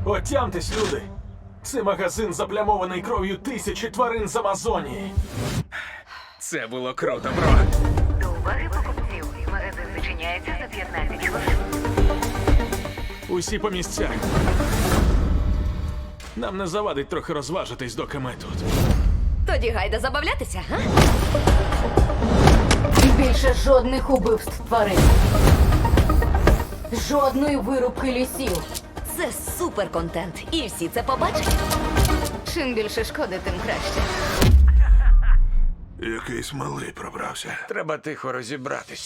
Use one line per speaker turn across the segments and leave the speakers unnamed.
Отямтесь, люди! Це магазин заплямований кров'ю тисячі тварин з Амазонії.
Це було круто, бро.
До уваги покупців. Магазин зачиняється за 15 хвилин.
Усі по місцях. Нам не завадить трохи розважитись, доки ми тут.
Тоді гайда забавлятися, га?
Більше жодних убивств тварин. Жодної вирубки лісів.
Це супер контент, і всі це побачать.
Чим більше шкоди, тим краще.
Якийсь малий пробрався.
Треба тихо розібратись.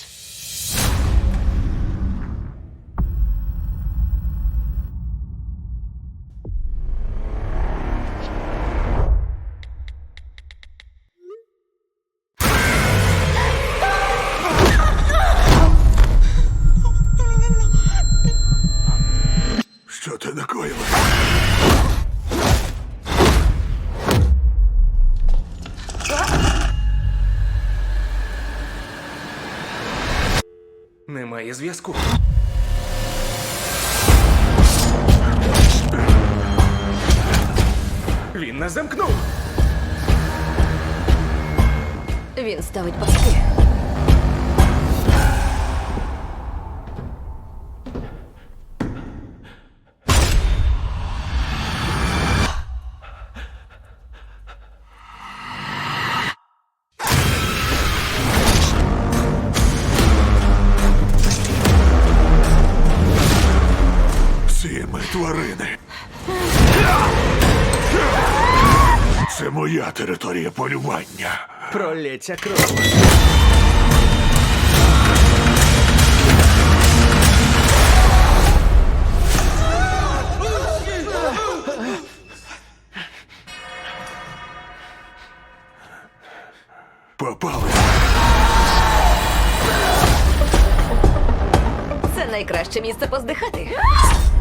Що ти накоїла?
Немає зв'язку. Він нас замкнув.
Він ставить пастки.
Ці ми тварини. Це моя територія полювання.
Пролється кров.
Попали.
Це найкраще місце поздихати.